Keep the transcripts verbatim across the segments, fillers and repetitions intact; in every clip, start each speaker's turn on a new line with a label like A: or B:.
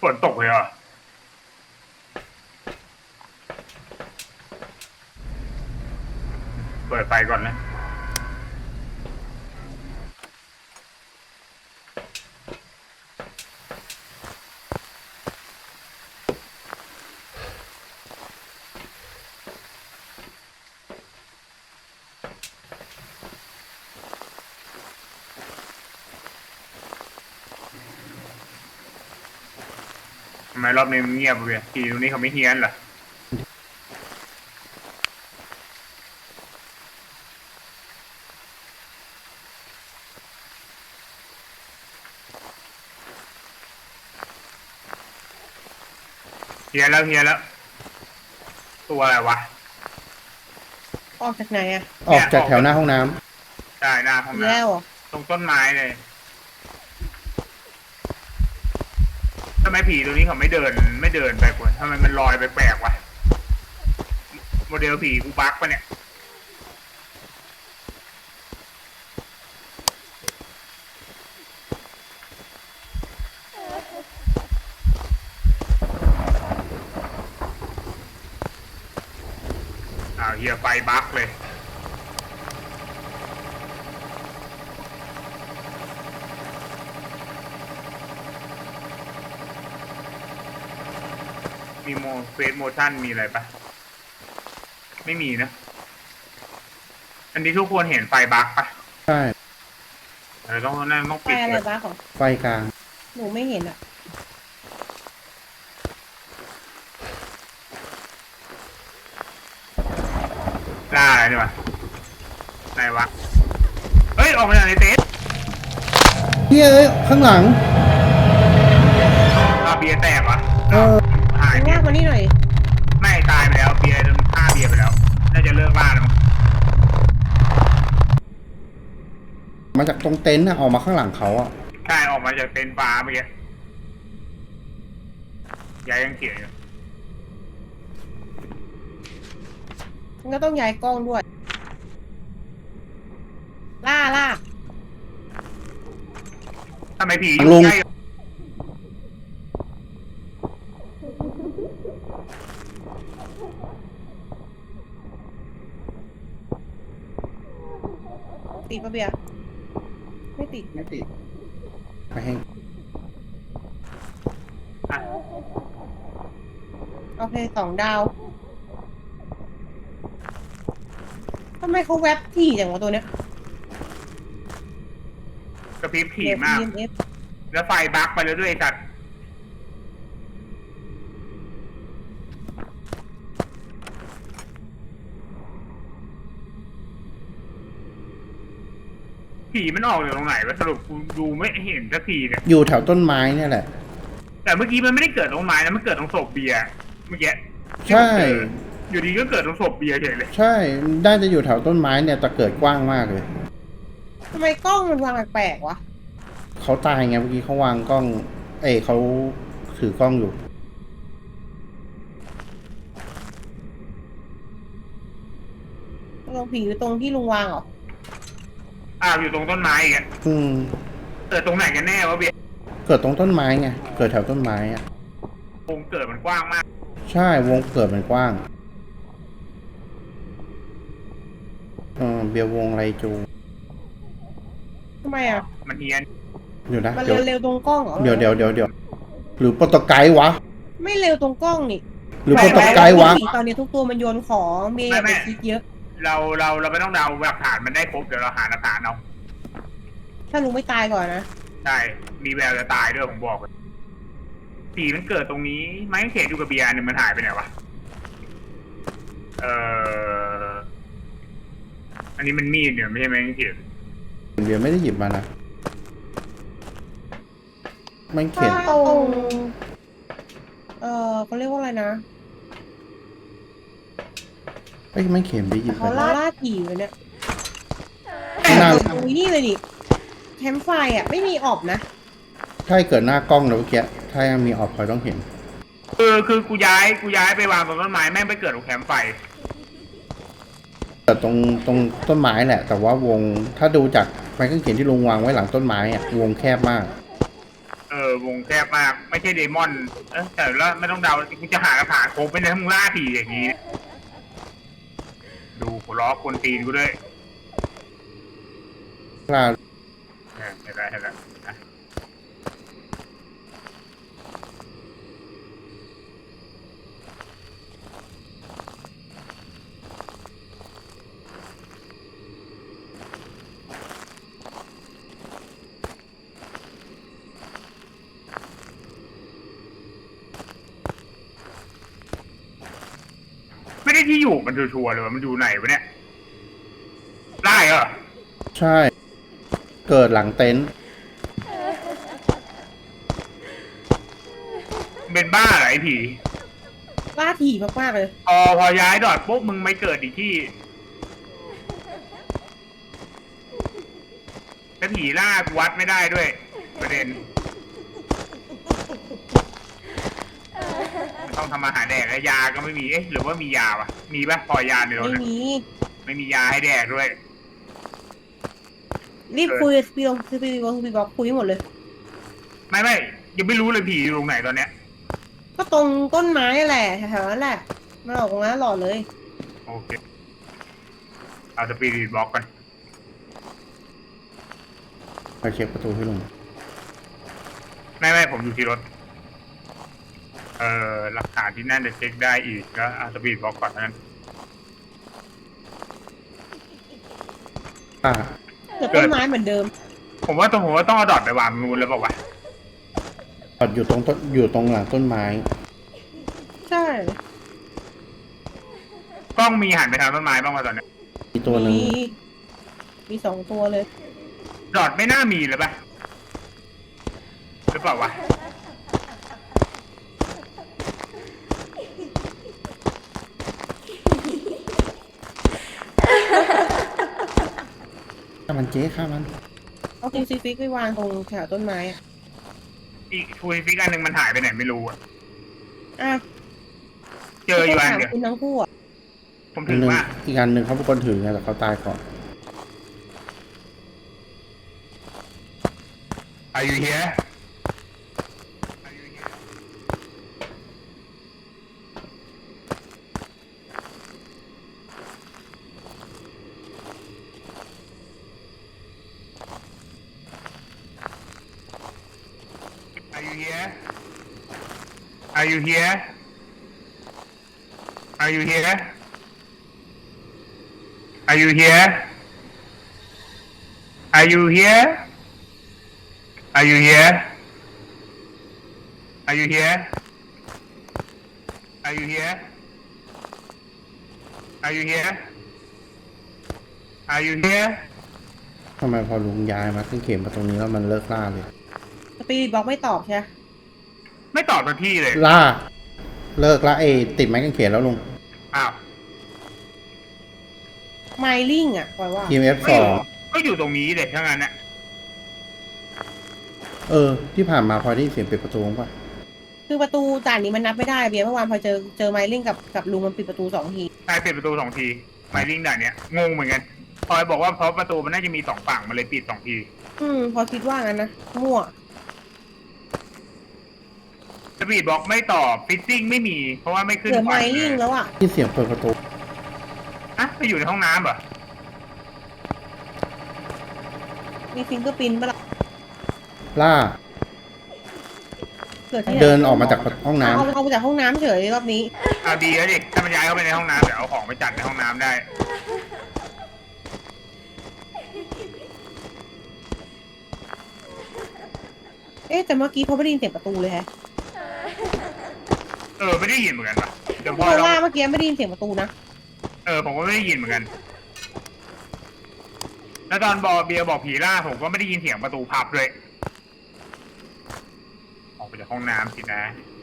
A: นตกเลยเหรอเปิดไฟก่อนนะทำไมรอบนี้มันเงียบเลยทีตรงนี้เขาไม่เฮี้ยนเหรอเฮี้ยนแล้วเฮี้ยนแล้วตัวอะไรวะ
B: ออกจากไหนอะ
C: ออกจากแถวหน้าห้องน้
A: ำได้หน้าห้องน้
B: แล้ว
A: ำตรงต้นไม้เลยทำไมผีตัวนี้เขาไม่เดินไม่เดินไปกว่าทำไมมันลอยไปแปลกวะโมเดลผีกูบักปะเนี่ยอ้าวเฮียไฟบักเลยมีโมเฟสโมชั่นมีอะไรปะไม่มีนะอันนี้ทุกคนเห็นไฟบักปะ
C: ำใช่
A: เออต้องนั่นต้อง
B: ไฟ
A: ปิด
B: อะไร
A: เลย
B: บ้าของ
C: ไฟกลาง
B: หนูไม่เห็นอะ
A: ล่าอะไรดีวะไหนวะเฮ้ยออกมาจากในเต็นท์
C: เฮ้ยเอ้ยข้างหลัง
A: อาเบียร์แตกวะ
C: เออ
A: หาย
B: ลากมานี่หน่อย
A: ไม่ตายไปแล้วเบียร์โดนฆ่าเบียร์ไปแล้วน่าจะเลิกล่าแล้วมั้ง
C: มาจากตรงเต็นท์นะออกมาข้างหลังเขาอ่ะ
A: ใช่ออกมาจากเต็นท์ฟ้าเมื่อกี้ยายยังเขียนอยู่
B: มันก็ต้องย้ายกล้องด้วย ล่าล่า
A: ทำไมผีอยู่
C: ลง
A: ใกล้
B: ติดปะเบียร์ไม่ติด
C: ไม่ติดไปให้
A: อ่ะ
B: โอเคสองดาวทำไมเขาแวบถี่อย่างวะตัวเนี้ย
A: กระพริบผี
B: เดี๋ยว
A: มาก
B: อี เอ็ม เอฟ
A: แล้วไฟบักไปแล้วด้วยไอ้สัตว์ผีมันออกจากตรงไหนวะสรุปกูดูไม่เห็นสักทีเนี่ย
C: อยู่แถวต้นไม้เนี่ยแหละ
A: แต่เมื่อกี้มันไม่ได้เกิดตรงไม้นะมันเกิดตรงศพเบียร์เมื่อกี้
C: ใช่
A: อยู่ดีก็เกิดตรงศพเบียร์เฉยเลย
C: ใช่ได้จะอยู่แถวต้นไม้เนี่ยแต่เกิดกว้างมากเลย
B: ทำไมกล้องมันวางแปลกๆวะ
C: เขาตายไงเมื่อกี้เขาวางกล้อง เอ้ยเขาถือกล้องอยู่
B: ตรงผีอยู่ตรงที่ลุงวางเหรอ
A: อ้าวอยู่ตรงต้นไม้อีกอะ
C: อืม
A: เกิดตรงไหนกันแน่วะเบียร์
C: เกิดตรงต้นไม้ไงเกิดแถวต้นไม้อ่ะ
A: วงเกิดมันกว้างมาก
C: ใช่วงเกิดมันกว้างเออเบียร์วงไรจู
B: ทำไมอ่ะ
A: มันเฮียน
C: เดี๋ยวนะ
B: มัน
C: เดี๋ยว
B: เร็วๆตรงกล้องเหรอ
C: เดี๋ยวเดี๋ยวเดี๋ยวเดี๋ยวหรือโปรโตไกด์วะ
B: ไม่เร็วตรงกล้องนี่
C: หรือโปรโตไกด์วะ
B: ผีตอนนี้ทุกตัวมันโยนของเมย์อย่าไปคิดเยอะ
A: เราเราเราไม่ต้องเดาหลักฐานมันได้ครบเดี๋ยวเราหาหลักฐานเอา
B: ถ้าลุงไม่ตายก่อนนะ
A: ใช่มีแววจะตายด้วยผมบอกเลยผีมันเกิดตรงนี้ไม้กางเขนอยู่กับเบียร์เนี่ยมันหายไปไหนวะเอ่ออันนี้มันมีดเนี่ยไม่ใช่ไม้กางเขน
C: เบียร์ไม่ได้หยิบมานะมันเขียน
B: ตรงเออเขาเรียกว่าอะไรนะ
C: เอ้ยมันเขียนไปหยิบ
B: เขา
C: ไป
B: ล่าล่าผีเลยเนี่ย
C: หน้า
B: ตรงนี้เลยนี่แคมป์ไฟอ่ะ ไม่มีออบนะ
C: ถ้าเกิดหน้ากล้องแล้วเมื่อกี้ถ้ายังมีออกพลอยต้องเห็น
A: เออคือกูย้ายกูย้ายไปวางตรงต้นไม้แม่งไปเกิดตรงแคมป์ไฟ
C: แต่ตรงตรงต้นไม้แหละ แต่ว่าวงถ้าดูจากไม้กางเขนที่ลุงวางไว้หลังต้นไม้อะวงแคบมาก
A: เอออวงแคบมากไม่ใช่เดมอนเออแต่แล้วไม่ต้องเดากูจะหากระถางโคบไปในทั้งล่าผีอย่างนี้ ดูหัวล้อคนตีนกูด้วย
C: ล่า
A: เออเห็นแล้วเห็นแล้วอ่ะไม่ได้ที่อยู่มันชัวร์ๆเลยว่ามันอยู่ไหนวะเนี่ยได้เหรอ
C: ใช่ เกิดหลังเต็นท์
A: เป็นบ้าเหรอไอ้ผี
B: ล่าถี่มากๆเลย
A: พอพอย้ายดอดปุ๊บมึงไม่เกิดอีกที่แล้วผีล่ากูวัดไม่ได้ด้วย ประเด็นมันต้องทำอาหารแดกและยาก็ไม่มีเอ๊ะหรือว่ามียาวะมีปะพอยาในรถ
B: ไม่
A: อะ
B: มี
A: ไม่มียาให้แดกด้วย
B: รีบคุยสปีดสปีดบอกสปีดบอกคุยให้หมดเลย
A: ไม่ไม่ยังไม่รู้เลยผีอยู่ตรงไหนตอนเนี้ย
B: ก็ตรงต้นไม้แหละแถวๆนั้นแหละมาออกตรงนั้นหล่อเลย
A: โอเคเอาสปีดบล็อกกัน
C: ไปเช็คประตูให้ลุง
A: ไม่ไม่ผมอยู่ที่รถ เอ่อหลักฐานที่นั่นจะเช็คได้อีกก็เอาสปีดบล็อกก่อนเท่านั้น
C: อ่า
B: เกิดต้นไม้เหมือนเดิม
A: ผมว่าต้องผมว่าต้องเอาดอทไปวางนูนแล้วบอกว่า
C: จอดอยู่ตรงต้นอยู่ตรงหลังต้นไม้
B: ใช่
A: กล้องมีหันไปทางต้นไม้บ้างวะตอนเนี้ย
C: มีตัวหนึ่ง
B: มีมีสองตัวเลย
A: ดอทไม่น่ามีเลยปะหรือเปล่าวะ
C: ข้ามันเจ๊ข้ามัน
B: เอาคูซิฟิกไปวางตรงแถวต้นไม้อะ
A: อีกทูฟิกอันหนึ่งมันหายไปไหนไม่รู้อะ
B: อ่ะ
A: เจออยู่อัน
B: ถาม
A: เดียว
B: คุณทั้งคู่อ่ะ
A: ผม
C: อั
A: ถึ
C: น
A: ง
C: หนึ่ง
A: ว่า
C: อีกอันหนึ่งเขาเป็นคนถือไงแต่เขาตายก่อน
A: Are you here Are you here Are you here Are you here Are you here Are you here Are you here Are you here Are you here Are you here Are you here Are you here
C: ทำไมพอลุงย้ายมาขึ้นเข็มมาตรงนี้แล้วมันเลิกล่าเลย
B: สปีดบอกไม่ตอบใช่ไหม
A: ไม่ตอบทันทีเลย
C: ล่า เลิกละเอยติดไม้กางเขนแล้วลุง
A: อ้าว
B: ไมลิงอ่ะปล่อยว่า
C: ที เอ็ม เอฟ
A: ก็
C: ส
A: อ
C: อยู่ ง
A: ก็อยู่ตรงนี้เลยทั้งนั้นน่ะ
C: เออ ที่ผ่านมาพอได้ยินเสียงปิดประตูป่ะ
B: คือประตูด่านนี้มันนับไม่ได้เบียร์เมื่อวานพอเจอเจอไมลิงกับกับลุงมันปิดประตูสองที
A: ใช่ปิดประตูสองทีไมลิงด่านเนี้ยงงเหมือนกันพลอยบอกว่าเพราะประตูมันน่าจะมีสองฝั่งมันเลยปิดสองที
B: อืม พอคิดว่างั้นนะมั่ว
A: สปีดบล็อกไม่ตอบฟิตติ้งไม่มี เพราะว่าไม่ขึ้น
B: เหลือไม
A: ควัน
B: ลิงแล้วอ่ะ
C: ที่เสียงเปิดประตู
A: อ่ะไปอยู่ในห้องน้ำเหรอ
B: มีฟิงเกอร์ปินปะล่ะ
C: ล่า
B: เกิดที่ไหน
C: เดินออกมาจากห้องน้ำ
B: เอาเอาไปจากห้องน้ำเฉยรอบนี้
A: เอาดีแล้วดิถ้ามันย้ายเข้าไปในห้องน้ำเดี๋ยวเอาของไปจัดในห้องน้ำได้
B: เอ๊ะแต่เมื่อกี้เขาไม่ได้ยินเสียงประตูเลยฮะ
A: เออไม่ได้ยินเหมือนกันปะเดี๋ยว
B: เพ
A: พ่อ
B: ราะ
A: เรา
B: ว่าเมื่อกี้ไม่ได้ยินเสียงประตูนะ
A: เออผมก็ไม่ได้ยินเหมือนกัน แล้วตอนบอเบียร์บอกผีล่าผมก็ไม่ได้ยินเสียงประตูพับเลยออกไปจากห้องน้ำสินะ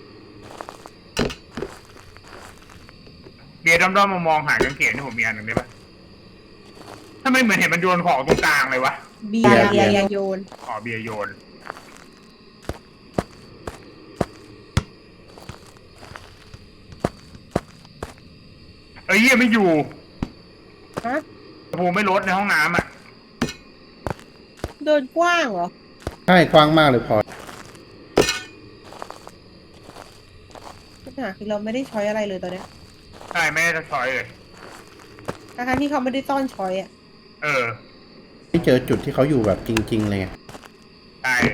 A: เบียร์ด้อมๆมองๆหากางเขนที่ผมมีอันหนึ่งได้ปะทำไมเหมือนเห็นมันโยนของตรงกลางเลยวะ
B: เบียร์
C: เบี
B: เบี
C: ย
B: ย
C: ร์
B: ร์ยังโยน
A: อ๋อเบียร์โยน เอ้ยเหี้ยไม่อยู่
B: ฮะ
A: ภูมิไม่ลดในห้องน้ำอ่ะ
B: เดินกว้างเหรอ
C: ใช่กว้างมากเลยพอ
B: าคือเราไม่ได้ช้อยอะไรเลยตอนเนี้ย
A: ใช่ไม่ได้ช้อยเลย
B: ทั้งๆที่เขาไม่ได้ซ่อนช้อยอ่ะ
A: เออ
C: ไม่เจอจุดที่เขาอยู่แบบจริง ๆ เลยไง
A: ใช่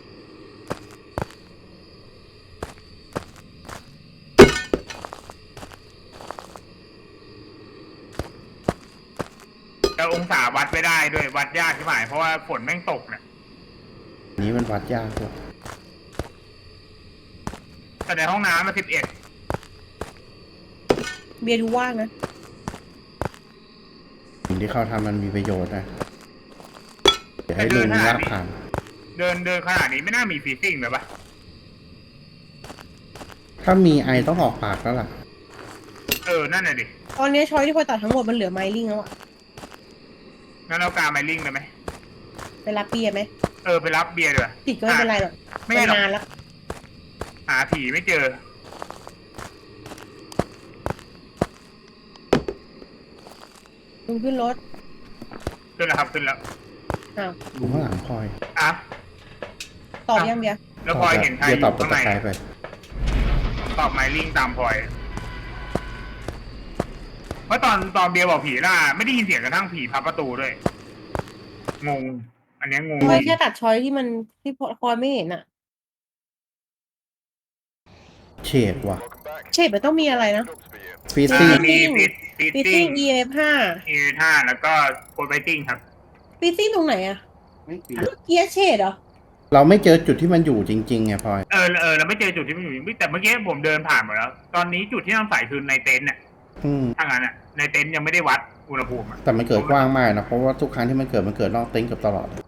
A: แต่องศาวัดไม่ได้ด้วยวัดยากใช่ไหมเพราะว่าฝนแม่งตกเนี่ย
C: อันนี้มันวัดยากด้วย
A: แต่ในห้องน้ำมันสิบเอ็ด
B: เบียร์ดูว่างนะ
C: สิ่งที่เขาทำมันมีประโยชน์นะเดี๋ยวให้ลุงลากผ่าน
A: เดินเดินขนาดนี้ไม่น่ามีฟีซิ่งเลยปะ
C: ถ้ามีไอต้องออกปากแล้วล่ะ
A: เออ นั่นน่ะดิ
B: ตอนนี้ช้อยที่พลอยตัดทั้งหมดมันเหลือไมลิงแล้วอ่ะ
A: งั้นเอากาไมลิงเลยไหม
B: ไปรับเบียร์ไหม
A: เออ ไปรับเบียร์ด้วย
B: ติดก็ไม่เป็นไรหรอก
A: ไม่ใช่หรอก
B: นานแล้ว
A: หาผีไม่เจอ
B: ลุงขึ้นรถ
A: ขึ้นแล้วครับขึ้นแล้ว
B: อ้าว
C: ดูข้างหลังพลอย
A: อ่ะ
B: ตอบยังเบียร์
A: แล้วพลอยเห็นใครอ
C: เดี๋ยวตอบ
A: ยู่
C: ตะ
A: ข้างใน
C: ไคร้ไป
A: ตอบไมลิงตามพลอย เพราะตอนตอนเบียร์บอกผีล่าไม่ได้ยินเสียงกระทั่งผีพับประตูด้วย งง อันเนี้ยงง
B: พลอยแค่ตัดช้อยที่มันที่พลอยไม่เห็นอ่ะ
C: เฉดว่ะ
B: เชฟมันต้องมีอะไรนะ
C: ฟี
A: เอ
C: ซี่
A: อมีฟิตฟิต
B: ฟิต
A: ติ้
B: ติ้
A: ง
B: ง อี เอ ฟ ห้า
A: อีท่าแล้วก็โคดไบติ้งครับ
B: ฟิตติ้งตรงไหนอ่ะเกียร์เชดเหรอ
C: เราไม่เจอจุดที่มันอยู่จริงๆไงพลอย
A: เออเออเราไม่เจอจุดที่มันอยู่แต่เมื่อกี้ผมเดินผ่านหมดแล้ว ตอนนี้จุดที่ต้องใส่คือในเต็นท์เนี่ย
C: อืม
A: ถ้างั้นอ่ะ ในเต็นท์ยังไม่ได้วัดอุณหภูมิอ่ะ
C: แต่มันเกิดกว้างมากนะ เพราะว่าทุกครั้งที่มันเกิดมันเกิดนอกเต็นท์เกือบตลอด